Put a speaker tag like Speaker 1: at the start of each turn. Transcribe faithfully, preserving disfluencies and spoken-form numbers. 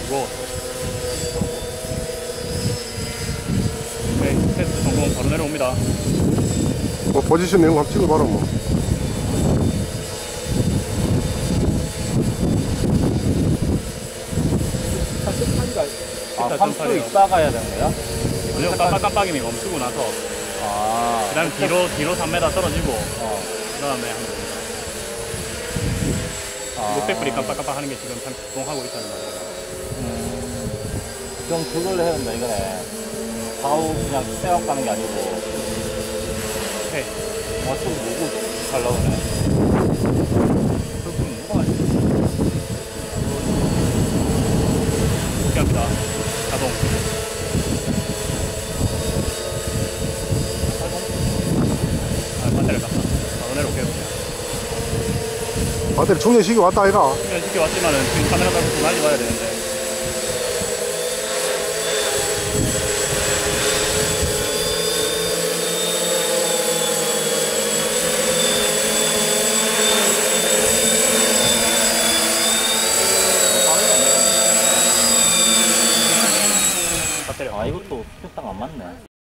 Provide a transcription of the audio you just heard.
Speaker 1: 무거워. 오케이, 테스트 성공. 바로 내려옵니다.
Speaker 2: 뭐 포지션 내용 한번 찍어봐라 뭐.
Speaker 3: 아, 삼 초 있다 가야 되는 거야?
Speaker 1: 아니요, 깜빡깜빡이면 멈추고 나서
Speaker 3: 아.
Speaker 1: 그 다음 뒤로 뒤로 삼 미터 떨어지고
Speaker 3: 어.
Speaker 1: 그 다음에 하면 됩니다.
Speaker 3: 아.
Speaker 1: 녹색불이 깜빡깜빡 하는 게 지금 참 작동하고 있다는 말이에요.
Speaker 3: 음. 그럼 그걸로 해야 된다 이거네. 바로 그냥 떼어 가는 게 아니고.
Speaker 1: 오케이.
Speaker 3: 와, 좀 누구 가려고 그래. 그럼 누가 할지.
Speaker 1: 이렇게 합니다. 자동. 아, 배터리 갔다. 바로 내려올게요. 그냥.
Speaker 2: 배터리 충전식이 왔다 아이가.
Speaker 1: 그냥 쉽게 왔지만은 지금 카메라 달고 좀 많이 봐야 되는데. 배터리.
Speaker 3: 아, 이것도 수평상 안 맞네.